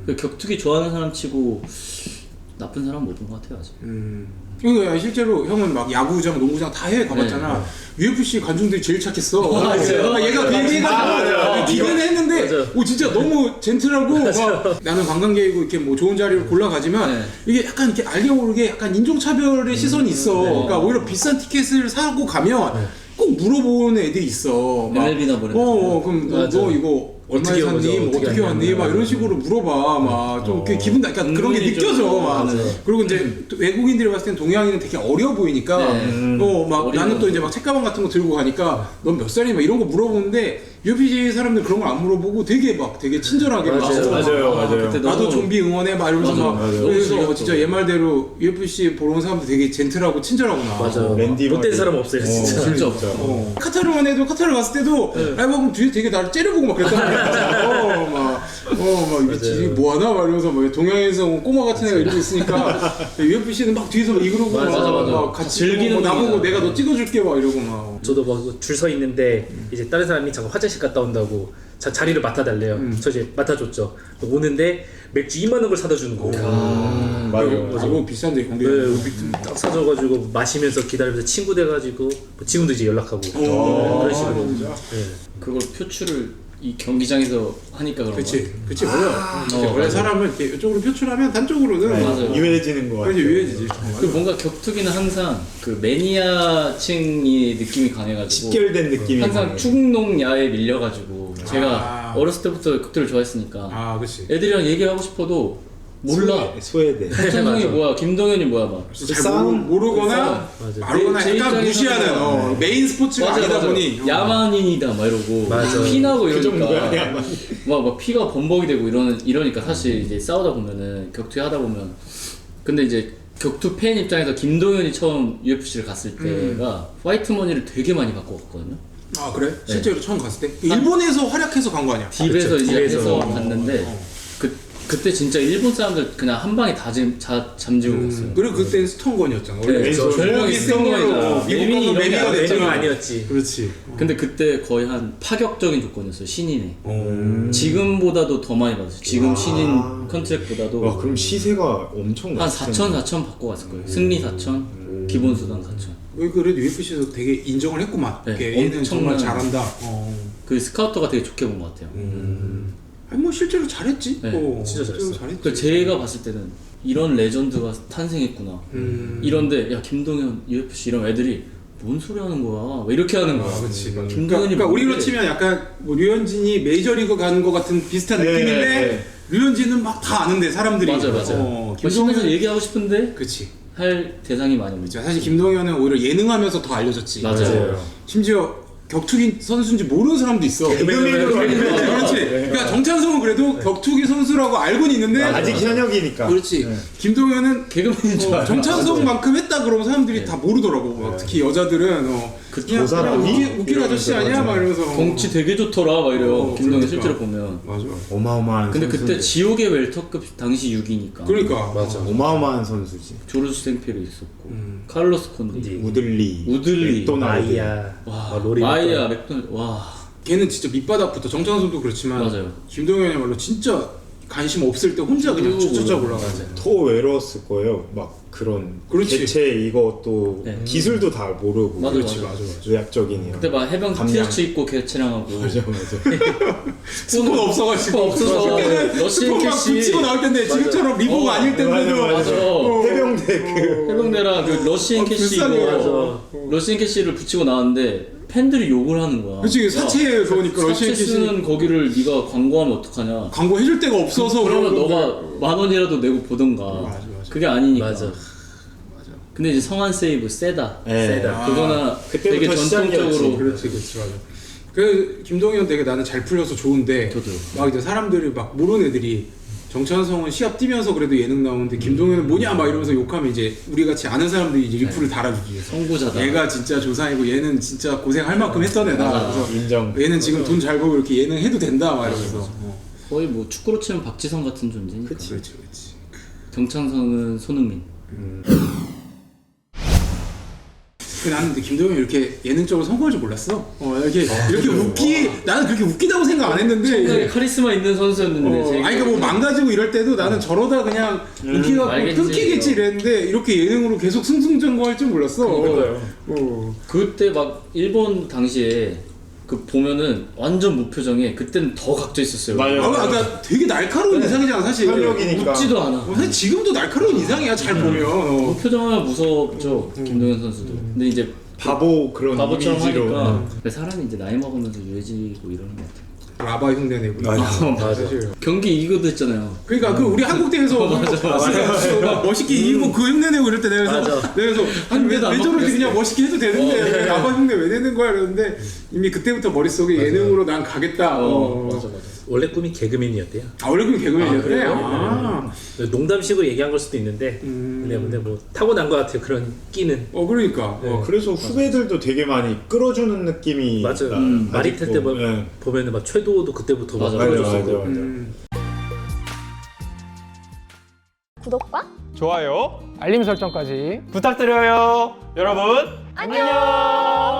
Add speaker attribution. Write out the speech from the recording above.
Speaker 1: 격투기 좋아하는 사람 치고 나쁜 사람 못 본 것 같아요 아직.
Speaker 2: 그러니까 실제로 형은 막 야구장, 농구장 다 해외 가봤잖아. UFC 관중들이 제일 착했어.
Speaker 1: 맞아요.
Speaker 2: 얘가 그 얘기가 기대는 했는데, 오 진짜 너무 젠틀하고 막 나는 관광객이고 이렇게 뭐 좋은 자리를 골라 가지만 이게 약간 이렇게 알게 모르게 약간 인종차별의 시선이 있어. 그러니까 오히려 비싼 티켓을 사고 가면 꼭 물어보는 애들이 있어.
Speaker 1: MLB나 보내.
Speaker 2: 그럼 너 이거 얼마에 샀니? 뭐 어떻게 왔니? 막 이런 식으로 물어봐. 막 좀 기분 나, 그러니까 그런 게 느껴져. 막. 그리고 이제 외국인들이 봤을 땐 동양인은 되게 어려 보이니까, 막 나는 또 이제 막 책가방 같은 거 들고 가니까 넌 몇 살이니? 막 이런 거 물어보는데 UFC 사람들 그런 거 안 물어보고 되게 친절하게
Speaker 3: 맞아요.
Speaker 2: 나도 좀비 응원해 막 이러면서 막 그래서 진짜 얘 말대로 UFC 보러 온 사람들 되게 젠틀하고 친절하구나.
Speaker 4: 맞아. 랜디 못된 사람 없어요 진짜.
Speaker 2: 카타르만 해도 카타르 갔을 때도 그럼 뒤에 되게 나를 째려보고 막 그랬단 말이야. 이게 뭐하나? 막 이러면서 막 동양에서 온 꼬마 같은 애가 이러고 있으니까 UFC는 막 뒤에서 막 이러고 막 같이
Speaker 1: 즐기는
Speaker 2: 나보고 내가 너 찍어줄게 막 이러고 막.
Speaker 4: 저도 막 줄 서 있는데 이제 다른 사람이 잠깐 화장실 갔다 온다고 자리를 맡아달래요. 저 이제 맡아줬죠. 오는데 맥주 2만 원을 사다 주는 거예요.
Speaker 2: 맞아요. 비싼데 공개.
Speaker 4: 딱 사줘가지고 마시면서 기다리면서 친구 돼가지고 뭐 지금도 이제 연락하고 그런 식으로.
Speaker 1: 그걸 표출을 이 경기장에서 하니까 그런
Speaker 2: 거야. 원래 사람은 이렇게 이쪽으로 표출하면 단쪽으로는
Speaker 1: 맞아요.
Speaker 3: 유해지는 거 같아요.
Speaker 2: 유해지지.
Speaker 1: 그 뭔가 격투기는 항상 그 매니아층이 느낌이 강해가지고
Speaker 3: 직결된 느낌이
Speaker 1: 항상
Speaker 3: 강해요.
Speaker 1: 충동야에 밀려가지고 제가 어렸을 때부터 격투를 좋아했으니까
Speaker 2: 그렇지.
Speaker 1: 애들이랑 얘기하고 싶어도 몰라.
Speaker 3: 소외돼.
Speaker 1: 박찬성이 뭐야, 김동현이 뭐야 막.
Speaker 2: 잘 모르거나 알거나
Speaker 1: 제
Speaker 2: 약간 무시하는 메인 스포츠가 아니다 보니
Speaker 1: 야만인이다 막 이러고 피나고 이러니까 막 피가 범벅이 되고 이러니까 사실 이제 싸우다 보면은 격투 하다 보면 근데 이제 격투 팬 입장에서 김동현이 처음 UFC를 갔을 때가 화이트 머니를 되게 많이 받고 갔거든요.
Speaker 2: 아 그래? 실제로 처음 갔을 때? 일본에서 활약해서 간 거 아니야?
Speaker 1: 딥에서 이제 해서 갔는데 그때 진짜 일본 사람들 그냥 한 방에 다 잠지고 갔어요.
Speaker 2: 그리고 그때 스톤건이었잖아.
Speaker 1: 네, 별명이 스톤건이잖아.
Speaker 2: 미국 가서 매미가 됐잖아.
Speaker 4: 아니었지.
Speaker 2: 그렇지.
Speaker 1: 근데 그때 거의 한 파격적인 조건이었어요. 신인에. 지금보다도 더 많이 받았어요. 지금 신인 컨트랙보다도
Speaker 3: 와 그럼 시세가 엄청
Speaker 1: 한 4천 받고 갔을 거예요. 승리 4천, 기본 수당 4천.
Speaker 2: 그래도 UFC에서 되게 인정을 했구만.
Speaker 1: 네,
Speaker 2: 얘는 정말 잘한다.
Speaker 1: 그 스카우터가 되게 좋게 본 것 같아요.
Speaker 2: 아니 뭐 실제로 잘했지.
Speaker 1: 네,
Speaker 4: 진짜 잘했어.
Speaker 1: 그러니까 제가 봤을 때는 이런 레전드가 탄생했구나. 이런데 야 김동현 UFC 이런 애들이 뭔 소리 하는 거야? 왜 이렇게 하는 거야?
Speaker 2: 그렇지.
Speaker 1: 김동현이
Speaker 2: 그러니까 우리로 치면 약간 뭐 류현진이 메이저리그 가는 것 같은 비슷한 느낌인데 류현진은 막 다 아는데 사람들이.
Speaker 1: 맞아요. 김동현은 얘기하고 싶은데
Speaker 2: 그렇지.
Speaker 1: 할 대상이 많이 없죠.
Speaker 2: 사실 김동현은 오히려 예능하면서 더 알려졌지.
Speaker 1: 맞아요.
Speaker 2: 심지어 격투기 선수인지 모르는 사람도 있어. 그렇지. 그러니까 정찬성은 그래도 격투기 선수라고 알고는 있는데
Speaker 3: 아직 현역이니까.
Speaker 2: 그렇지. 김동현은
Speaker 1: 개그맨인 줄 알아.
Speaker 2: 정찬성만큼 했다 그러면 사람들이 다 모르더라고. 막 특히 여자들은
Speaker 3: 저 사람이
Speaker 2: 웃긴 아저씨 아니야? 막 이러면서
Speaker 1: 덩치 되게 좋더라 막 이래요. 김동현
Speaker 2: 그러니까.
Speaker 1: 실제로 보면.
Speaker 2: 맞아.
Speaker 3: 어마어마한
Speaker 1: 근데
Speaker 3: 선수인데.
Speaker 1: 그때 지옥의 웰터급 당시 6위니까.
Speaker 2: 그러니까
Speaker 4: 맞아.
Speaker 3: 어마어마한 선수지.
Speaker 1: 조르스 생피로 있었고 카를로스 콘디,
Speaker 3: 우들리, 맥도날드.
Speaker 4: 마이야,
Speaker 1: 와,
Speaker 4: 로리
Speaker 1: 마이야, 맥도날드, 와.
Speaker 2: 걔는 진짜 밑바닥부터 정찬성도 그렇지만
Speaker 1: 맞아요.
Speaker 2: 김동현이야말로 진짜 관심 없을 때 혼자 그냥 쭉쭉쭉 올라가죠.
Speaker 3: 더 외로웠을 거예요. 막 그런
Speaker 2: 그렇지.
Speaker 3: 대체 이것도
Speaker 1: 네.
Speaker 3: 기술도 다 모르고.
Speaker 1: 맞아,
Speaker 3: 그렇지,
Speaker 1: 맞아.
Speaker 3: 의학적인
Speaker 1: 그때 막 해병 티셔츠 입고 개체량하고.
Speaker 3: 맞아.
Speaker 2: 스포가 없어가지고
Speaker 1: 스포 없어서 러시안
Speaker 2: 막
Speaker 1: 캐시
Speaker 2: 붙이고 나올 텐데 지금처럼 리보가 아닐 텐데도
Speaker 1: 맞아.
Speaker 3: 해병대 그
Speaker 1: 해병대랑 그 러시안 캐시
Speaker 2: 비싸네.
Speaker 1: 입고 러시안 캐시를 붙이고 나왔는데 팬들이 욕을 하는 거야.
Speaker 2: 그치 사채 그거니까
Speaker 1: 사채
Speaker 2: 러시안 캐시
Speaker 1: 쓰는 거기를 네가 광고하면 어떡하냐.
Speaker 2: 광고 해줄 데가 없어서
Speaker 1: 그러면
Speaker 2: 그런
Speaker 1: 너가
Speaker 2: 건데.
Speaker 1: 10,000원이라도 내고 보던가.
Speaker 2: 맞아.
Speaker 1: 그게 아니니까.
Speaker 4: 맞아.
Speaker 1: 근데 이제 성한 세이브 세다.
Speaker 3: 네.
Speaker 4: 세다.
Speaker 1: 그거는
Speaker 3: 그때부터
Speaker 1: 되게 전통적으로
Speaker 3: 시작이었지.
Speaker 2: 그렇지 맞아. 그 김동현 되게 나는 잘 풀려서 좋은데
Speaker 1: 저도요.
Speaker 2: 막 이제 사람들이 막 모르는 애들이 정찬성은 시합 뛰면서 그래도 예능 나오는데 김동현은 뭐냐 막 이러면서 욕하면 이제 우리 같이 아는 사람들이 이제 리플을 달아주기 위해서
Speaker 1: 선구자다.
Speaker 2: 얘가 진짜 조상이고 얘는 진짜 고생할 만큼 했던 애다.
Speaker 1: 맞아.
Speaker 2: 그래서
Speaker 3: 인정.
Speaker 2: 얘는 지금 돈 잘 벌고 이렇게 예능 해도 된다 막 이러면서.
Speaker 1: 거의 뭐 축구로 치면 박지성 같은 존재니까.
Speaker 2: 그렇지. 나는 근데 김도영이 이렇게 예능적으로 성공할 줄 몰랐어. 이렇게 나는 그렇게 웃기다고 생각 안 했는데.
Speaker 1: 굉장히 카리스마 있는 선수였는데.
Speaker 2: 아니 그러니까 뭐 망가지고 이럴 때도 나는 저러다 그냥 인기가 끊기겠지 이랬는데 이렇게 예능으로 계속 승승장구할 줄 몰랐어.
Speaker 1: 그때 막 일본 당시에 그 보면은 완전 무표정에 그때는 더 각져 있었어요.
Speaker 3: 맞아요.
Speaker 2: 그러니까 되게 날카로운 인상이잖아 사실.
Speaker 3: 현역이니까.
Speaker 1: 웃지도 않아.
Speaker 2: 사실 지금도 날카로운 인상이야 잘 보면.
Speaker 1: 무표정하면 무섭죠. 김동현 선수도. 근데 이제
Speaker 3: 바보 그런
Speaker 1: 바보처럼
Speaker 3: 이미지로.
Speaker 1: 하니까 근데 사람이 이제 나이 먹으면서 유해지고 이러는 것 같아요.
Speaker 2: 라바 흉내 내고.
Speaker 3: 맞아.
Speaker 2: 사실.
Speaker 1: 경기 이기고도 했잖아요.
Speaker 2: 그러니까 그 우리 한국 대회에서 막 멋있게 이기고 그 흉내 내고 이럴 때 내가 그래서 아니 왜 저러지 그냥 멋있게 해도 되는데 왜 라바 흉내 왜 내는 거야 이러는데 이미 그때부터 머릿속에 예능으로 난 가겠다.
Speaker 4: 맞아. 원래 꿈이 개그맨이었대요.
Speaker 2: 원래 그럼 개그맨이었대?
Speaker 4: 그래요? 농담식으로 얘기한 걸 수도 있는데 근데 뭐 타고난 것 같아요. 그런 끼는.
Speaker 2: 그러니까.
Speaker 3: 그래서 후배들도 되게 많이 끌어주는 느낌이
Speaker 4: 맞아요. 마리텔 때 보면은 막 최도도 그때부터 막 끌어줬었고.
Speaker 5: 구독과
Speaker 6: 좋아요,
Speaker 7: 알림 설정까지
Speaker 6: 부탁드려요. 여러분,
Speaker 5: 안녕.